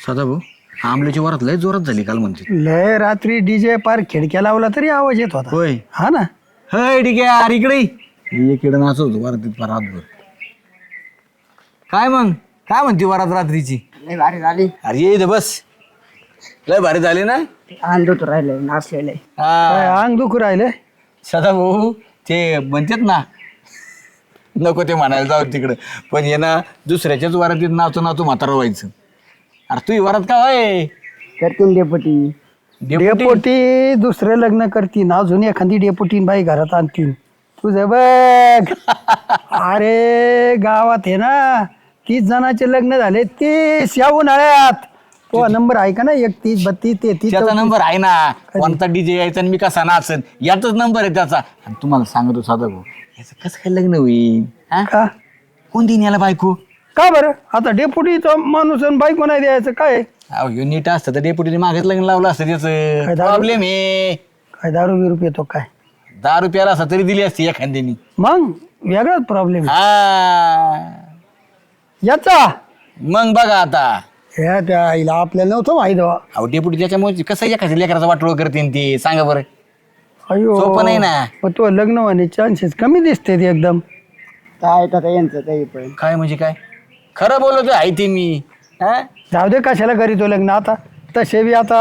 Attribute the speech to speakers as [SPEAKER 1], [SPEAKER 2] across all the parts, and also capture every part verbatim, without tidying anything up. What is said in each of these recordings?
[SPEAKER 1] सदा भाऊ आंबल्याची वरात लय जोरात झाली काल म्हणते.
[SPEAKER 2] लय रात्री डीजे पार खिडक्या लावला तरी आवाज येत होता.
[SPEAKER 1] होय
[SPEAKER 2] हा ना.
[SPEAKER 1] हय ठीक आहे अरे इकडे इकडे नाचत होतो वरातीत फार रातभर. काय मग काय म्हणते वरात रात्रीची?
[SPEAKER 3] लय भारी झाली.
[SPEAKER 1] अरे ये इथं बस. लय भारी झाली ना.
[SPEAKER 3] अंधूत राहिलंय नाचलेलंय.
[SPEAKER 2] काय
[SPEAKER 1] हा
[SPEAKER 2] अंग दुखू राहिले.
[SPEAKER 1] सदा भाऊ ते म्हणतात ना नको ते म्हणायला जाऊ तिकडं पण ये ना दुसऱ्याच्याच वरातीत नाचू नाचू म्हातारा व्हायचं. अरे तू वरात का होय
[SPEAKER 3] करतीन डेपुटी.
[SPEAKER 2] डेपोटी दुसरं लग्न करतीन अजून एखादी डेपोटीन बाई घरात आणतीन तुझं बघ. अरे गावात आहे ना तीस जणांचे लग्न झाले तीस या उन्हाळ्यात. तो नंबर आहे का ना एकतीस बत्तीस तेहतीस
[SPEAKER 1] त्याचा नंबर आहे ना. कोणता डीजे यायचा आणि मी कसा नाचन याचाच नंबर आहे त्याचा. आणि तुम्हाला सांगतो साधा भाऊ याचं कसं काय लग्न होईल हा?
[SPEAKER 2] का
[SPEAKER 1] कोण देईन याला बायको?
[SPEAKER 2] का बरं आता डेपुटीचा माणूस आणि बायको नाही द्यायचं काय.
[SPEAKER 1] अहो ह्यो नीट असतं तर डेपुटीने मागेच लग्न लावलं असतं
[SPEAKER 2] काय
[SPEAKER 1] त्याचं.
[SPEAKER 2] दारू?
[SPEAKER 1] प्रॉब्लेम आहे
[SPEAKER 2] काय दारू बिरू पितो काय.
[SPEAKER 1] दहा रुपयाला असता तरी दिली असती एखाद्यानी.
[SPEAKER 2] मग वेगळाच प्रॉब्लेम
[SPEAKER 1] हा
[SPEAKER 2] याचा.
[SPEAKER 1] मग बघा आता
[SPEAKER 2] ह्या त्या आईला आपल्याला नव्हतं माहिती बा.
[SPEAKER 1] अहो डेपुटी त्याच्यामुळे कसं एखाद्या लेकराचा वाटोळ करते ते सांगा बरं.
[SPEAKER 2] अयो
[SPEAKER 1] सोपं नाही ना.
[SPEAKER 2] पण तो लग्न होण्याचे चान्सेस कमी दिसते ते एकदम.
[SPEAKER 3] काय आता यांचं काही पण
[SPEAKER 1] काय म्हणजे काय खरं बोलतो आहे ते मी हा?
[SPEAKER 2] जाऊ दे कशाला करी तो लग्न आता तसे बी आता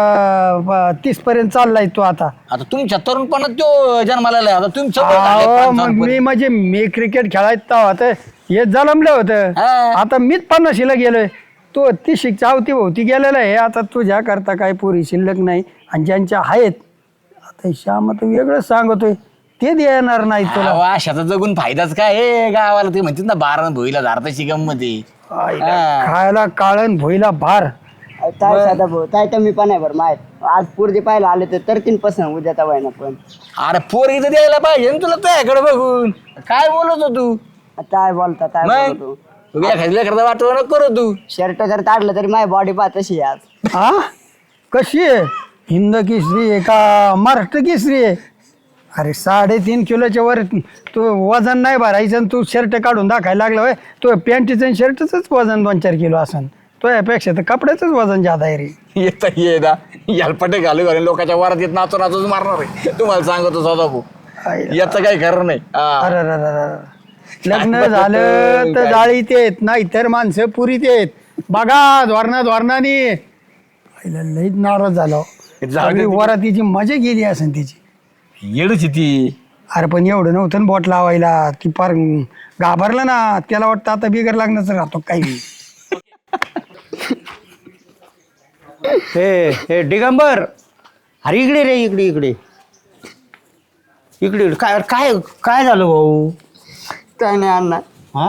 [SPEAKER 2] तीस पर्यंत चाललाय तो आता.
[SPEAKER 1] आता तुमच्या तरुणपणात तो जन्माला आलाय. आता तुमचं वय झालंय
[SPEAKER 2] अहो, मग
[SPEAKER 1] पंचावन्न
[SPEAKER 2] मी म्हणजे मी क्रिकेट खेळायचं होतं हे जलमलं होतं.
[SPEAKER 1] हा.
[SPEAKER 2] आता मीच पन्नाशीला गेलोय तो ती शिक्षा होती भोवती गेलेला आहे. आता तुझ्या करता काय पुरी शिल्लक नाही आणि ज्यांच्या आहेत आता श्याम तर वेगळं सांगतोय ते देणार नाही तुला.
[SPEAKER 1] अहो, अशाचा जगून फायदाच काय हे गावाला ते म्हणतात ना बारा भोईला धारता शिगम मध्ये.
[SPEAKER 2] आईला खायला काळण भोईला भार.
[SPEAKER 3] काय साधा भाऊ काय तर मी पण आहे बरं माहित आज पुरते पाहायला आले तर तरतीन पसंत उद्या तवाय ना पण
[SPEAKER 1] अरे पोरगी तर द्यायला पाहिजे ना तुला त्याकडे बघून. काय बोलत हो तू
[SPEAKER 3] काय बोलता काय
[SPEAKER 1] मग
[SPEAKER 3] बोलतो
[SPEAKER 1] तू एखाद्या करता वाटव न करू तू.
[SPEAKER 3] शर्ट जर काढलं तरी माझी बॉडी पा तशी आहे आज.
[SPEAKER 2] हा कशी आहे हिंद केसरी आहे का महाराष्ट्र केसरी आहे. अरे साडेतीन किलोच्या वर तू वजन नाही भरायचं आणि तू शर्ट काढून दाखायला लागला होय. तो पॅन्टीचं आणि शर्टच वजन दोन चार किलो असन तो यापेक्षा तर कपड्याचंच वजन जादा आहे रे.
[SPEAKER 1] येत ये ना यालपटे घालू घालून लोकांच्या वरात येत नाचून नाचून मारणार आहे. तुम्हाला सांगतो सदा भाऊ
[SPEAKER 2] आईला.
[SPEAKER 1] याचं काही खरं नाही. हा.
[SPEAKER 2] अरे अरे अरे अरे. लग्न झालं तर जाळीत येत नाही तर माणसं पुरीत येत. बघा धोरणा धोरणाने लईच नाराज झालो.
[SPEAKER 1] जाऊ दे
[SPEAKER 2] सगळी वरातीची मजा गेली असेल तिची.
[SPEAKER 1] येडच आहे ती.
[SPEAKER 2] अरे पण एवढं नव्हतं ना बोट लावायला ती पार घाबरलं ना त्याला वाटतं आता बिगर लागण्याचं राहतो काही.
[SPEAKER 4] हे हे दिगंबर अरे इकडे रे इकडे इकडे इकडे इकडे. काय काय काय झालं भाऊ?
[SPEAKER 3] काय नाही अण्णा
[SPEAKER 4] हा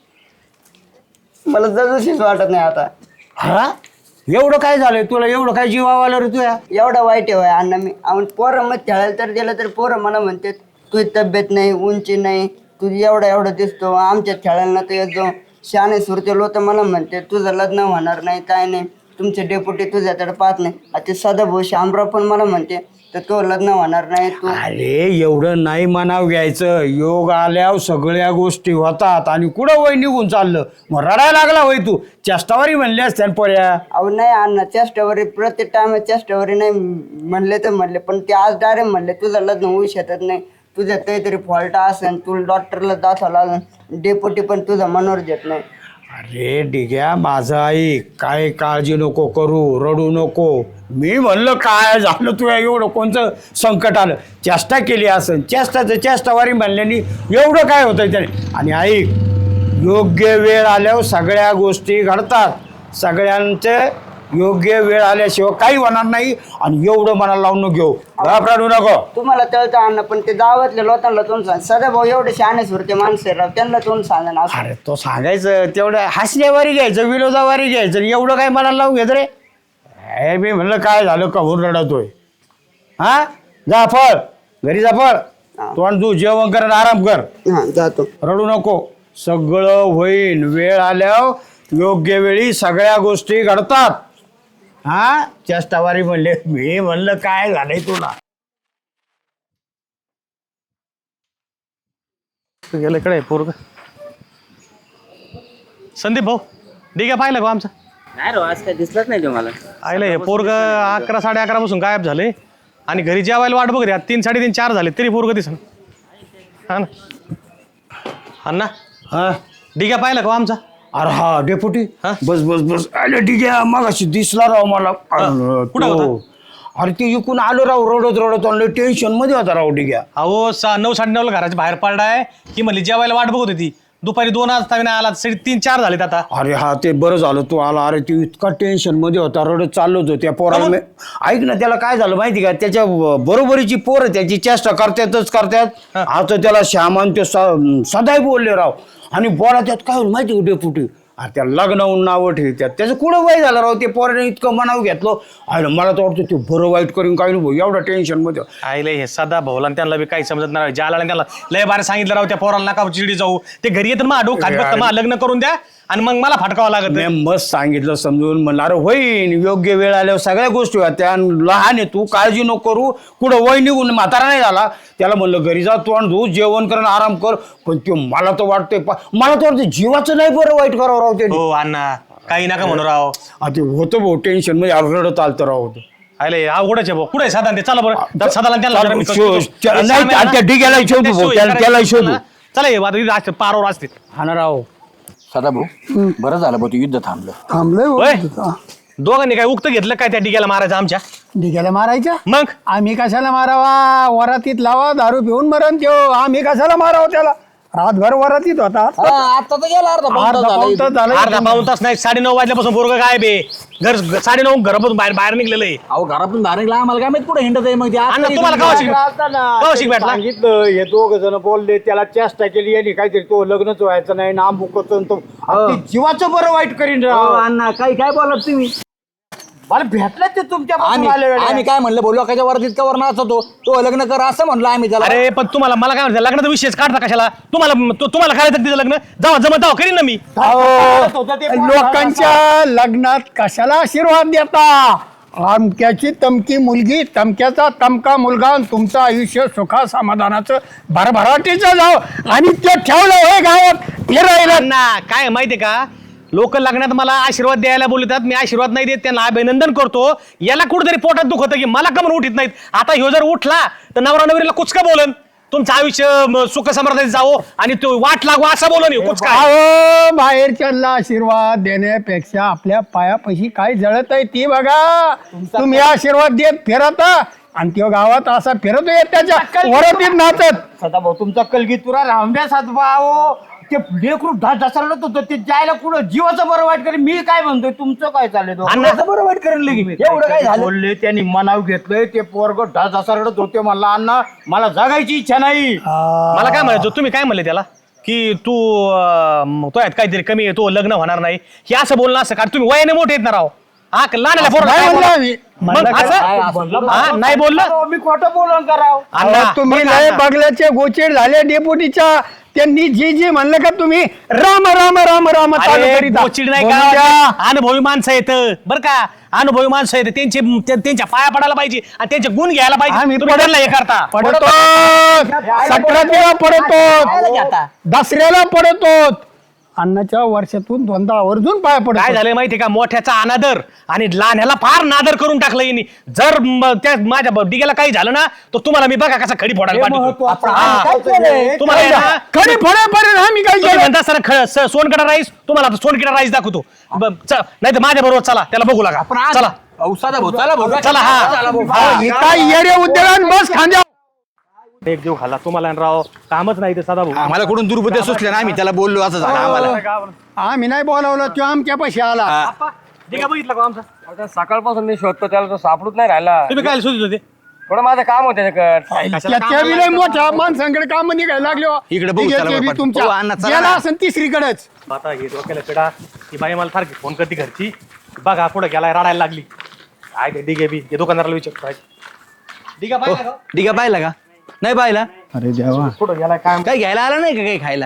[SPEAKER 3] मला जगूशीच वाटत नाही आता.
[SPEAKER 4] हा एवढं काय झालंय तुला? एवढं काय जीवाव आलं रे तुया?
[SPEAKER 3] एवढा वाईट आहे अण्णा मी आपण पोरं मग खेळायला तर दिलं तर पोरं मला म्हणते तुझी तब्येत नाही उंची नाही तुझी एवढा एवढा दिसतो आमच्यात खेळायला ना तर जो शाणे सुरते लोक मला म्हणते तुझं लग्न होणार नाही काय नाही तुमचे डेप्युटी तुझ्याकडे पाहत नाही. आता सदाभाऊ शामराव पण मला म्हणते तर तो लग्न होणार नाही तू.
[SPEAKER 4] अरे एवढं नाही मनाव घ्यायचं. योग आल्यावर सगळ्या गोष्टी होतात आणि कुठं वय निघून चाललं मग रडायला लागला वय तू. चेष्टावारी म्हणली असत्या न पोऱ्या.
[SPEAKER 3] अहो नाही अण्णा चेष्टावरी प्रत्येक टाइम चेष्टावरी नाही म्हणले तर म्हणले पण ते आज डायरेक्ट म्हणले तुझं लग्न होऊ शकत नाही तुझ्यात काहीतरी फॉल्ट असेल तुला डॉक्टरला दाखवला डेप्युटी पण तुझा मनोर देत नाही.
[SPEAKER 4] अरे डिग्या माझं आई काय काळजी नको करू रडू नको. मी म्हणलं काय झालं तुया एवढं कोणतं संकट आलं. चेष्टा केली असेल चेष्टाचं चेष्टावारी म्हणल्याने एवढं काय होतं त्याने. आणि ऐक योग्य वेळ आल्यावर सगळ्या गोष्टी घडतात. सगळ्यांचे योग्य वेळ आल्याशिवाय काही होणार नाही. आणि एवढं मनाला लावून नको घेऊ घाबराडू नको.
[SPEAKER 3] तुम्हाला तळतं अण्णा पण ते गावातल्या लोकांना तोंड सांग सदाभाऊ एवढे शहाणे सुरते माणसं राव त्यांना तोंड सांगा ना.
[SPEAKER 4] अरे तो सांगायचं तेवढं हसण्यावारी घ्यायचं विनोदावारी घ्यायचं एवढं काय मनाला लावून घेत रे. हे मी म्हणलं काय झालं कहून रडतोय. हा जा फळ घरी जा फळ तोंड तू जेवण कर आणि आराम कर.
[SPEAKER 3] हा जातो.
[SPEAKER 4] रडू नको सगळं होईल. वेळ आल्यावर योग्य वेळी सगळ्या गोष्टी घडतात. हा चेष्टावारी म्हणले मी म्हणलं काय झालंय तुला.
[SPEAKER 5] गेलं इकडे पोरग. संदीप भाऊ ठीक आहे पाहिलं का आमचं? नाही रो आज काय दिसलंच नाही तुम्हाला.
[SPEAKER 6] आयलं हे पोरग अकरा साडे अकरा पासून गायब झाले आणि घरी जेवायला वाट बघ रे तीन साडेतीन चार झाले तरी पोरग दिसन. हा ना अण्णा
[SPEAKER 4] हा
[SPEAKER 6] डिग्या पाहिला का आमचा?
[SPEAKER 4] अरे हा डेपुटी
[SPEAKER 6] हा?
[SPEAKER 4] बस बस बस अरे ठीक आहे मगाशी दिसला राव मला अरे,
[SPEAKER 6] कुठं
[SPEAKER 4] तो-
[SPEAKER 6] होता?
[SPEAKER 4] अरे ते इकून आलो राव रडत रडत आणलं टेन्शन मध्ये होता राव डिग्या.
[SPEAKER 6] अहो सा नऊ साडे नऊला घराच्या बाहेर पडलाय की म्हणली जेवायला वाट बघत होती दुपारी दोन वाजता नाही आला साडे तीन चार झालेत आता.
[SPEAKER 4] अरे हा ते बरं झालं तू आला. अरे तू इतका टेन्शन मध्ये होता रडत चाललो होतो त्या पोराला मी- ऐक ना त्याला काय झालं माहिती का त्याच्या बरोबरीची पोरं त्याची चेष्टा करतातच करतात. आता त्याला श्यामान ते स- सदाई बोलले राव आणि बोला त्यात काय होईल माहिती का डेपुटी अरे त्या लग्नाहून नावं ठेवतात त्याचं कुठं वय झालं राव ते पोराने इतकं मनाव घेतलं. अरे मला तर वाटतं ते बरं वाईट करून काय नाही भाऊ एवढं टेन्शन मध्ये.
[SPEAKER 6] आईले हे सदा भाऊला आणि त्यांना बी काही समजत नाही ज्याला आणि त्याला लय बारे सांगितलं राव त्या पोराला नका चिडी जाऊ ते घरी येतं मा डोक खात बघतं मा लग्न करून द्या आणि मग मला फटकावं लागत.
[SPEAKER 4] मी मस्त सांगितलं समजून म्हणलं अरे होईन योग्य वेळ आल्यावर सगळ्या गोष्टी होत्या आणि लहान आहे तू काळजी नको करू कुठं वय निघून म्हातारा नाही झाला. त्याला म्हणलं घरी जा तू आणि धू जेवण कर आणि आराम कर पण ते मला तर वाटतंय पा- मला तर वाटतं जीवाचं नाही बरं वाईट करावं राव ते.
[SPEAKER 6] हो अण्णा काही नका म्हणू राव.
[SPEAKER 4] ते होतं भाऊ टेन्शन मध्ये अरे रडत आलतं राव ते.
[SPEAKER 6] आले अवघडच आहे भाऊ कुठे साधा ते चला बरं सदाला त्यांना जरा मी
[SPEAKER 4] शो-
[SPEAKER 6] कळतो.
[SPEAKER 4] त्या-
[SPEAKER 6] हे
[SPEAKER 4] नाही,
[SPEAKER 6] श्याम आहे ना,
[SPEAKER 4] त्या डिग्याला शोधू
[SPEAKER 6] ते
[SPEAKER 4] भाऊ,
[SPEAKER 6] सोयी
[SPEAKER 4] त्याला- त्याला
[SPEAKER 6] करायची
[SPEAKER 4] शोधू.
[SPEAKER 6] ना. चला हे आता इथे असते पारावर असते.
[SPEAKER 4] हा ना राव
[SPEAKER 1] सदा भाऊ बरं झालं भाऊ ते युद्ध थांबलं.
[SPEAKER 2] थांबलंय
[SPEAKER 6] होय?
[SPEAKER 2] हो. हा.
[SPEAKER 6] दोघांनी काय उक्त घेतलं काय त्या डिग्याला मारायचं आमच्या?
[SPEAKER 2] डिग्याला मारायच्या
[SPEAKER 6] मग
[SPEAKER 2] आम्ही कशाला मारावा वरातीत लावा दारू पिऊन मरण त्यो आम्ही कशाला मारावं त्याला रातभर वरातीत होता
[SPEAKER 1] आता तर गेला अर्धा पाऊण
[SPEAKER 2] अर्धा
[SPEAKER 1] तास झाला
[SPEAKER 2] पाऊण
[SPEAKER 1] इथं.
[SPEAKER 2] तास झाला
[SPEAKER 6] अर्धा पाऊन तास नाही साडे नऊ वाजल्यापासून पोरग गायब आहे. घर साडे नऊ घरापासून बाहेर बाहेर निघलेलं आहे.
[SPEAKER 1] अहो घरातून बाहेर निघाला आम्हाला काय माहित कुठे हिंडत आहे मग ते आता
[SPEAKER 6] अण्णा
[SPEAKER 1] इथं
[SPEAKER 6] तुम्हाला
[SPEAKER 1] निघाला.
[SPEAKER 6] कवा शिक शिक भेटला?
[SPEAKER 4] सांगितलं हे दोघ जण बोलले त्याला चेष्टा केली यांनी काहीतरी तो लग्नच व्हायचं नाही नाम बुकतो तो अरे ते जीवाचं बरं वाईट करीन
[SPEAKER 1] अहो,
[SPEAKER 4] राव.
[SPEAKER 1] अण्णा काही काय बोलत तुम्ही
[SPEAKER 4] मला भेटलं ते तुमच्या
[SPEAKER 1] आम्ही आम्ही काय म्हणलं बोललो लोकांच्या वरात इतका वर नाचतो तो लग्न कर असं म्हणलं आम्ही त्याला.
[SPEAKER 6] अरे पण तुम्हाला मला काय म्हणतं लग्नाचा विषयच काढता कशाला? तुम्हाला तो- तुम्हाला करायचं तिचं लग्न जावा जमत जावा करीन ना मी.
[SPEAKER 2] लोकांच्या लग्नात कशाला आशीर्वाद देता आमक्याची तमकी मुलगी तमक्याचा तमका मुलगा आणि तुमचं आयुष्य सुखा समाधानाचं भरभराटीचं जाव आणि ते ठेवलं हे गावात फिरायला
[SPEAKER 6] अण्णा काय माहितीये का लोक लग्नात मला आशीर्वाद द्यायला बोलतात मी आशीर्वाद नाही देत त्यांना अभिनंदन करतो. याला कुठेतरी पोटात दुख होतं की मला का म्हणून उठत नाहीत. आता ह्यो जर उठला तर नवरा नवरीला कुचका बोलन तुमचं आयुष्य म, सुख समृद्धीत जावो आणि तो वाट लागू असं बोलन ह्यो कुचका.
[SPEAKER 2] अहो बाहेरच्यांना आशीर्वाद देण्यापेक्षा आपल्या पायापाशी काय जळत आहे ती बघा. तुम्ही आशीर्वाद देत फिरता आणि तो गावात असा फिरतोय त्याच्या वरातीत नाचत
[SPEAKER 4] सदाभाऊ तुमचा कलगीतुरा रामड्या सातभाऊ ते लेकरू ढा ढसरत होतं ते जायला कुठं जीवाचं बरं वाईट करेल मी काय म्हणतोय तुमचं काय चाललंय तो?
[SPEAKER 6] अण्णा,
[SPEAKER 1] असं बरं वाईट करेल लगी एवढं काय झालं.
[SPEAKER 4] बोलले त्यांनी मनाव घेतलंय ते पोरग ढा ढसरत होते मला अण्णा मला जगायची इच्छा नाही.
[SPEAKER 6] मला काय म्हणायचं तुम्ही काय म्हणले त्याला की तू अं, तो आहेत काहीतरी कमी आहे तो लग्न होणार नाही हे असं बोलणं असं का तुम्ही वयाने मोठे आहेत ना राव. हा लहान
[SPEAKER 2] नाही म्हणलं आम्ही.
[SPEAKER 6] नाही बोललं
[SPEAKER 4] मी खोटं बोलून कराव.
[SPEAKER 6] अण्णा,
[SPEAKER 2] अहो, तुम्ही
[SPEAKER 6] बरं का
[SPEAKER 2] लय
[SPEAKER 6] अण्णा?
[SPEAKER 2] बगल्याचे गोचेड झाले डेपुटीच्या त्यांनी जे जे म्हणलं का तुम्ही राम राम राम राम चालू
[SPEAKER 6] अरे
[SPEAKER 2] करीता.
[SPEAKER 6] गोचिड नाही
[SPEAKER 2] बोलू द्या.
[SPEAKER 6] का अनुभवी माणसं येत बरं का अनुभवी माणसं येत त्यांचे त्या- त्यांच्या पाया पडायला पाहिजे आणि त्यांचे गुण घ्यायला
[SPEAKER 2] आम्ही
[SPEAKER 6] पाहिजे तुम्ही
[SPEAKER 2] पडत-
[SPEAKER 6] त्यांना हे करता
[SPEAKER 2] पडतो सतराला पडतो दसऱ्याला पडतो अन्नाच्या वर्षातून दोनदा आवर्जून पाया
[SPEAKER 6] काय
[SPEAKER 2] पडतो.
[SPEAKER 6] झालंय माहितीये का मोठ्याचा अनादर आणि लहान्याला फार नादर करून टाकलं यांनी. जर म- त्या माझ्या ब- डिग्याला काही झालं ना तर तुम्हाला मी बघा कसा खडी फोडायला पाठवतो. हा. तुम्हाला आहे ना,
[SPEAKER 2] खरी फळेपर्यंत आम्ही काय
[SPEAKER 6] तुम्ही
[SPEAKER 2] केलं
[SPEAKER 6] म्हणता सर ख- स- सोनकडा राईस तुम्हाला आता सोनकडा राईस दाखवतो नाही तर माझ्या बरोबर चला त्याला बघू लागा चला
[SPEAKER 1] अहो, सदा भाऊ चला भाऊ
[SPEAKER 6] चला हा
[SPEAKER 2] हे काय येरे उद्योगान बस खांद्या
[SPEAKER 6] एक जीव खाल्ला तुम्हाला आणि राव कामच नाही ते सदा भाऊ
[SPEAKER 1] आम्हाला कुठून दुर्बुद्ध्या सुचल्या ना आम्ही त्याला बोललो असं झालं आम्हाला.
[SPEAKER 2] आम्ही नाही बोलावलं तो आमच्या पैसे आला
[SPEAKER 6] डिगा बघितला का आमचा
[SPEAKER 5] आता सकाळपासून मी शोधतो त्याला तो सापडूच नाही राहिला.
[SPEAKER 6] तुम्ही काय शोधित होते
[SPEAKER 5] थोडं माझं काम होतं त्याच्याकडे.
[SPEAKER 2] त्याच्या बी लय मोठ्या माणसांकडे काम निघायला लागले हो.
[SPEAKER 1] इकडे बघू,
[SPEAKER 2] ठीक आहे,
[SPEAKER 1] चला
[SPEAKER 2] ते बी
[SPEAKER 1] बरं,
[SPEAKER 2] तुमच्या
[SPEAKER 1] हो, अण्णा, चला
[SPEAKER 2] गेला
[SPEAKER 1] ना.
[SPEAKER 2] असेल तिसरीकडेच
[SPEAKER 6] आता हे डोक्याला पिढा ही बाई मला सारखी फोन करते घरची बघा पुढे गेलाय रडायला लागली काय ते डिगे बी हे दुकानदाराला विचारतो डिगा पाहिला का?
[SPEAKER 1] डिगा पाहिला का नाही पाहिला
[SPEAKER 2] अरे देवा
[SPEAKER 6] पुढे गेलाय काय
[SPEAKER 1] काही घ्यायला आला नाही का काही खायला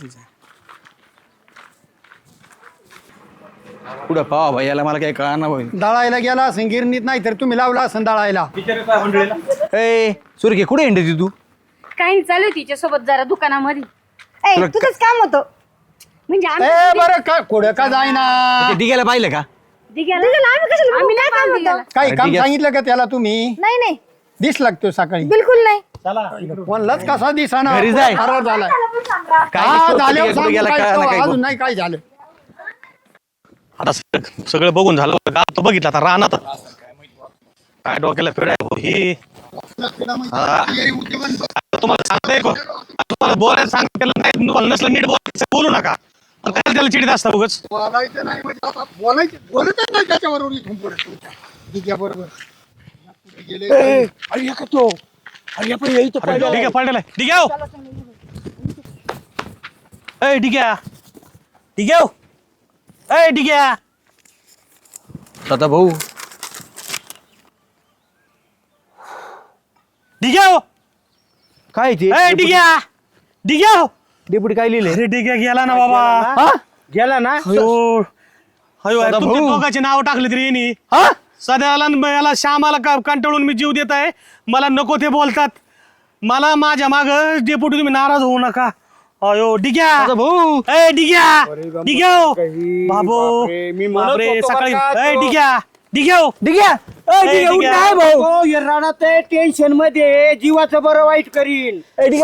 [SPEAKER 1] पुढं पावा भाई याला मला काही कळणार भाई.
[SPEAKER 2] दळायला गेला असेल गिरणीत नाही तर तुम्ही लावला असेल दळायला
[SPEAKER 1] ए सुरखे कुठे हिंडती तू
[SPEAKER 7] काही नाही चालू आहे तिच्यासोबत जरा दुकानामध्ये ए
[SPEAKER 1] तुला
[SPEAKER 7] तुझंच काम होतं म्हणजे आम्ही
[SPEAKER 2] ए बरं का कुठं का जाईना
[SPEAKER 1] ते डिग्याला पाहिलं का
[SPEAKER 7] दिघ्याला आम्ही कशाला आम्ही नाही काम दिघ्याला
[SPEAKER 2] काही काम
[SPEAKER 1] ठीक आहे.
[SPEAKER 2] सांगितलं का त्याला तुम्ही
[SPEAKER 7] नाही नाही
[SPEAKER 2] दिस लागतो सकाळी
[SPEAKER 7] बिलकुल नाही
[SPEAKER 2] कोणलाच कसा दिसाना
[SPEAKER 1] घरी जाय.
[SPEAKER 2] फरार झालाय
[SPEAKER 1] काय
[SPEAKER 2] हा,
[SPEAKER 1] दिसतं?
[SPEAKER 2] झाल्यावर
[SPEAKER 1] कुठे
[SPEAKER 2] सांगू
[SPEAKER 1] गेला
[SPEAKER 2] काय
[SPEAKER 1] कळालं
[SPEAKER 2] तो,
[SPEAKER 1] काय
[SPEAKER 2] अजून नाही काय झालं
[SPEAKER 6] आता सगळं सगळं बघून झालं का तो बघितलं आता राहणार काय डोक्याला फिराय हो ही हा. तुम्हाला सांगताय का? तुम्हाला बोलायला सांगितलं नाही तुम्हाला नसलं नीट बोलायचं बोलू नका आणि काय त्याला चिडीत असता उगाच
[SPEAKER 2] बोलायचं नाही म्हणजे आता बोलायचं बोलतच नाही त्याच्याबरोबर इथून पुढे तुमच्या दिग्याबरोबर. गेले
[SPEAKER 4] अरे का तो अरे पण येई तर
[SPEAKER 6] अरे, ठीक आहे पडलेला आहे. ठीक आहे हो. ए ठीक आहे ठीक आहे हो. ए ठीक आहे
[SPEAKER 1] दादा भाऊ
[SPEAKER 6] ठीक आहे हो.
[SPEAKER 4] काय ते
[SPEAKER 6] ए ठीक आहे ठीक आहे हो.
[SPEAKER 4] डेपुटी काय लिहिले
[SPEAKER 6] अरे ठीक आहे गेला ना बाबा
[SPEAKER 4] गेला ना
[SPEAKER 6] अयो अयो
[SPEAKER 1] दादा
[SPEAKER 6] तुमच्या
[SPEAKER 1] भाऊ.
[SPEAKER 6] दोघांची नाव टाकली तरी यांनी सध्याला न याला श्यामाला का- कंटाळून मी जीव देत आहे मला नको ते बोलतात मला माझ्या माग डेपुटी तुम्ही नाराज होऊ नका अयो डिग्या
[SPEAKER 1] भाऊ
[SPEAKER 6] ए डिग्या डिग्या हो. बाबो
[SPEAKER 4] बापरे, मी म्हणत
[SPEAKER 6] बापरे
[SPEAKER 4] होतो
[SPEAKER 6] सकाळी
[SPEAKER 4] बरं का
[SPEAKER 6] ए
[SPEAKER 4] तो.
[SPEAKER 6] डिग्या डिग्या हो.
[SPEAKER 4] डिग्या
[SPEAKER 6] ए, डिग्या.
[SPEAKER 4] भाऊ हे राणात टेन्शन मध्ये जीवाचं बरं वाईट करीन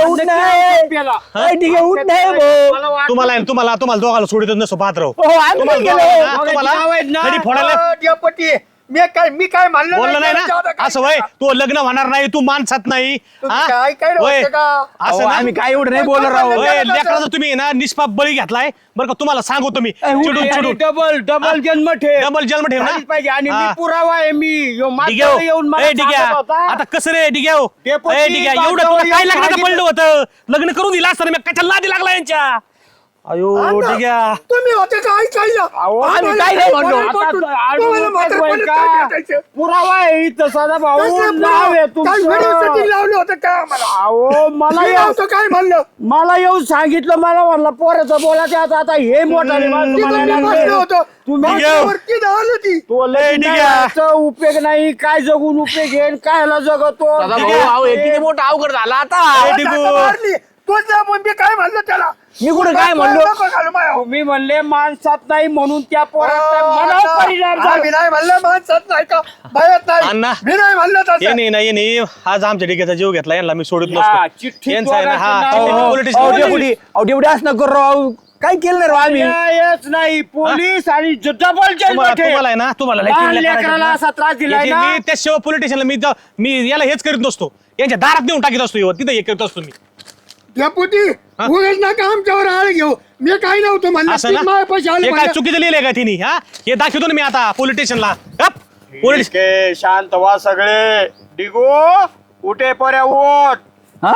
[SPEAKER 6] तुम्हाला तुम्हाला तुम्हाला दोघाला सोडित नसो पाहत राहू तुम्हाला दोघाला ना, तुम्हाला कधी फोडायला
[SPEAKER 2] डेपुटी मी काय मी काय म्हणलं
[SPEAKER 6] बोललं नाही
[SPEAKER 2] त्याला जाऊ
[SPEAKER 6] ना
[SPEAKER 2] दे,
[SPEAKER 6] असं वय तू लग्न होणार नाही तू माणसात नाही
[SPEAKER 2] तुम्ही
[SPEAKER 6] हा?
[SPEAKER 2] काय काय
[SPEAKER 6] वय.
[SPEAKER 2] होतं का?
[SPEAKER 6] असं ना?
[SPEAKER 1] आम्ही काय एवढं नाही बोललो राव
[SPEAKER 6] वय, लेकराचा तुम्ही ना निष्पाप बळी घेतलाय बरं का तुम्हाला सांगतो मी चिडून चिडून
[SPEAKER 4] डबल डबल जन्म ठेव
[SPEAKER 6] डबल जन्म ठेव ना
[SPEAKER 4] झालीच पाहिजे आणि मी
[SPEAKER 6] हा.
[SPEAKER 4] पुरावा आहे मी यो
[SPEAKER 6] डिग्या
[SPEAKER 4] मागं येऊन मला
[SPEAKER 6] ए डिग्या
[SPEAKER 4] सांगत होता.
[SPEAKER 6] आता कसं रे डिग्या हो?
[SPEAKER 4] डेपुटी,
[SPEAKER 6] ए डिग्या एवढं
[SPEAKER 4] बाजूला
[SPEAKER 6] तुला काय
[SPEAKER 4] येऊन
[SPEAKER 6] लग्नाचं
[SPEAKER 4] सांगितलं.
[SPEAKER 6] पडलं होतं लग्न करून दिलं असतं ना मी कशाला लादी लागला यांच्या अयो डिग्या
[SPEAKER 2] तुम्ही होते काय काय
[SPEAKER 4] अहो, आम्ही काय नाही म्हणलो. आता तो आडून होईल का? पुरावा आहे इथं सदा भाऊ नाव आहे तुमचं.
[SPEAKER 2] लावलं होतं काय आम्हाला
[SPEAKER 4] अहो मला
[SPEAKER 2] मी
[SPEAKER 4] येऊ-
[SPEAKER 2] नव्हतं काय म्हणलं
[SPEAKER 4] मला येऊन सांगितलं मला म्हणलं पोराचं बोलायचं आता आता हे मोठं
[SPEAKER 2] तिथं मी बसलो होतो
[SPEAKER 4] तुम्ही
[SPEAKER 2] वरती धावली होती
[SPEAKER 4] तो लय
[SPEAKER 6] ए, डिग्या.
[SPEAKER 4] नावाचा उपयोग नाही काय जगून उपयोग घेईन कायला जगतो
[SPEAKER 1] दादा भाऊ अहो, हे किती मोठं अवघड झाला आता
[SPEAKER 6] ए, डिगू.
[SPEAKER 2] मारली तोच जा पण मी काय म्हणलं त्याला
[SPEAKER 4] मी कुठं काय म्हणलो
[SPEAKER 2] नको घालू मायावर.
[SPEAKER 4] तुम्ही म्हणले माणसात नाही म्हणून त्या पोराचा मनावर परिणाम
[SPEAKER 2] हा,
[SPEAKER 4] झाला
[SPEAKER 2] मी नाही म्हणलं माणसात नाही का भयात
[SPEAKER 6] अण्णा.
[SPEAKER 2] नाही मी नाही म्हणलं
[SPEAKER 6] ये
[SPEAKER 2] तसं
[SPEAKER 6] नाही नाही नाही आज आमच्या डिग्याचा जीव घेतला यांना मी सोडत
[SPEAKER 4] या,
[SPEAKER 6] नसतो
[SPEAKER 4] चिठ्ठीत
[SPEAKER 6] यांचा आहे ना हा
[SPEAKER 4] दोघांचं नाव.
[SPEAKER 6] पोलिटिक्स
[SPEAKER 1] एवढी असं नको राव काय केलं नाही राव आम्ही
[SPEAKER 4] न्यायच नाही पोलीस आणि डबल जन्म
[SPEAKER 6] तुम्हाला
[SPEAKER 4] ठेव.
[SPEAKER 6] तुम्हाला आहे ना तुम्हाला लय
[SPEAKER 4] लहान
[SPEAKER 6] चिडल्या
[SPEAKER 4] लेकराला
[SPEAKER 6] करायचं
[SPEAKER 4] असा त्रास
[SPEAKER 6] ना.
[SPEAKER 4] दिलाय
[SPEAKER 6] याची
[SPEAKER 4] ना.
[SPEAKER 6] मी त्याशिवाय पोलिटिशियनला मी ज- मी याला हेच करीत नसतो यांच्या दारात नेऊन टाकीत असतो ह्यो. तिथं हे करत असतो मी
[SPEAKER 2] डेपुटी उगाच नका आमच्यावर आळ घेऊ मी काय नव्हतं म्हणलं
[SPEAKER 6] असं
[SPEAKER 2] तीन
[SPEAKER 6] ना
[SPEAKER 2] माझ्यापाशी आले
[SPEAKER 6] हे काय
[SPEAKER 2] म्हणलं.
[SPEAKER 6] चुकीचं लिहिलंय का तिने हा हे दाखवतो ना मी आता पोलिटिशियनला पोलिटिश
[SPEAKER 4] ठीक आहे, शांत व्हा सगळे डिगो उठे पर्या उठ
[SPEAKER 1] हा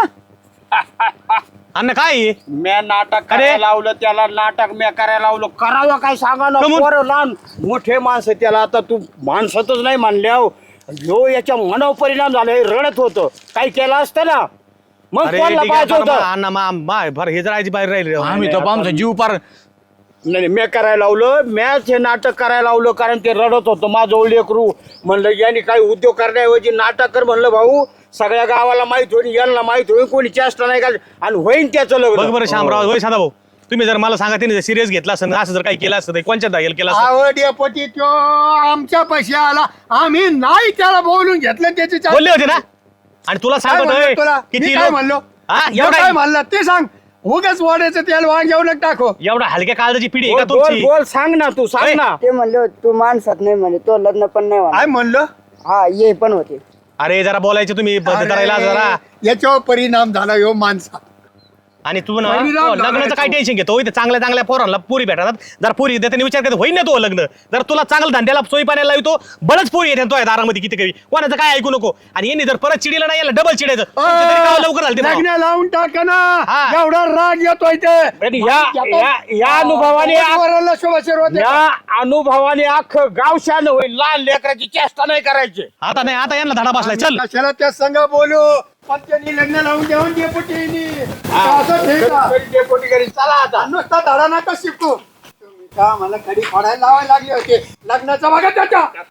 [SPEAKER 6] अन्न काय आहे?
[SPEAKER 4] म्या नाटक
[SPEAKER 6] अरे.
[SPEAKER 4] करायला लावलं त्याला नाटक म्या करायला लावलं करावं काय सांगा ना
[SPEAKER 6] कमून?
[SPEAKER 4] पोरं लहान मोठे माणसं त्याला आता तू माणसातच नाही म्हणल्याव ह्यो याच्या मनावर परिणाम झाला हे रडत होतं काही केलं असतं ना मग
[SPEAKER 6] अरे
[SPEAKER 4] कोणाला
[SPEAKER 6] ठीक आहे,
[SPEAKER 4] पाहायचं
[SPEAKER 6] मला-
[SPEAKER 4] होतं
[SPEAKER 6] अण्णा मा मा- भर हे जरायची बाहेर राहिली रे.
[SPEAKER 1] आम्ही तो आमचा जीव पार
[SPEAKER 4] नाही नाही, म्या करायला लावलं मॅच हे नाटक करायला लावलं कारण ते रडत होतं माझं लेकरू म्हणलं यांनी काही उद्योग करण्याऐवजी नाटक कर म्हणलं भाऊ सगळ्या गावाला माहित होईल यांना माहित होईल कोणी चेष्टा नाही का आणि होईन त्याचं
[SPEAKER 6] बघ
[SPEAKER 4] लग्न
[SPEAKER 6] बरं शामराव होय साधा भाऊ तुम्ही जर मला सांगा तिने सिरियस घेतला असं असं जर काही केलं असतं तर कोणच्या दाखल केलं असतं
[SPEAKER 2] अहो डेपुटी तो आमच्या पैसे आला आम्ही नाही त्याला बोलून घेतलं त्याची चा-
[SPEAKER 6] बोलले होते ना आणि तुला
[SPEAKER 2] काय म्हणलो
[SPEAKER 6] सांगतोय
[SPEAKER 2] तुला? मी
[SPEAKER 6] किती
[SPEAKER 2] काय
[SPEAKER 6] लोक-
[SPEAKER 2] म्हणलो
[SPEAKER 6] हा
[SPEAKER 2] मी
[SPEAKER 6] एवढा
[SPEAKER 2] काय म्हणलं ते सांग उगाच वाढायचं तेल वांग येऊ नका टाको
[SPEAKER 6] एवढा हलक्या काळजाची पिढी आहे
[SPEAKER 4] बोल
[SPEAKER 6] का
[SPEAKER 4] बोल
[SPEAKER 6] तुमची
[SPEAKER 4] बोल, सांग ना तू सांग
[SPEAKER 6] ए,
[SPEAKER 4] ना
[SPEAKER 3] ते म्हणले होते, तू माणसात नाही म्हणे तो लग्न पण नाही
[SPEAKER 2] काय
[SPEAKER 3] म्हणा
[SPEAKER 2] म्हणलं
[SPEAKER 3] हा ये पण होते
[SPEAKER 6] अरे जरा बोलायचं तुम्ही बंद करायला जरा
[SPEAKER 2] अरे, याच्यावर परिणाम झाला यो माणसा
[SPEAKER 6] आणि तू ना
[SPEAKER 2] परिणाम
[SPEAKER 6] हो,
[SPEAKER 2] झाला
[SPEAKER 6] लग्नाचं काय
[SPEAKER 2] याच्यावर.
[SPEAKER 6] टेन्शन घेतो इथे चांगल्या चांगल्या पोरांना पुरी भेटतात जर पुरी देताना विचार करतो होईन ना तो लग्न जर तुला चांगलं धंद्याला सोयी पाण्याला येतो बळच पुरी येते तो दारामध्ये किती कवी कोणाचं काय ऐकू नको आणि यांनी जर परत चिडीला नाही याला डबल चिडायचं तुमचं तरी गाव लवकर झालं ते भाव.
[SPEAKER 2] लग्न लावून टाका ना
[SPEAKER 6] हा.
[SPEAKER 2] एवढा राग येतोय ते
[SPEAKER 4] आणि या या- या अनुभवाने
[SPEAKER 2] वराला शुभाशीर्वाद
[SPEAKER 4] या अनुभवाने अख्खं गाव शान होईल लहान लेकराची चेष्टा नाही करायची
[SPEAKER 6] आता नाही आता यांना धडा बसलाय चल
[SPEAKER 2] कशाला त्या संघ बोलू पण त्यांनी लग्न लावून देऊन डेपुटीनी असं ठीक आहे.
[SPEAKER 4] डेपुटी घरी चला आता
[SPEAKER 2] नुसता धडा नका शिकू तुम्ही का मला कडी फोडायला लावायला लागले होते लग्नाचा बघा त्याच्या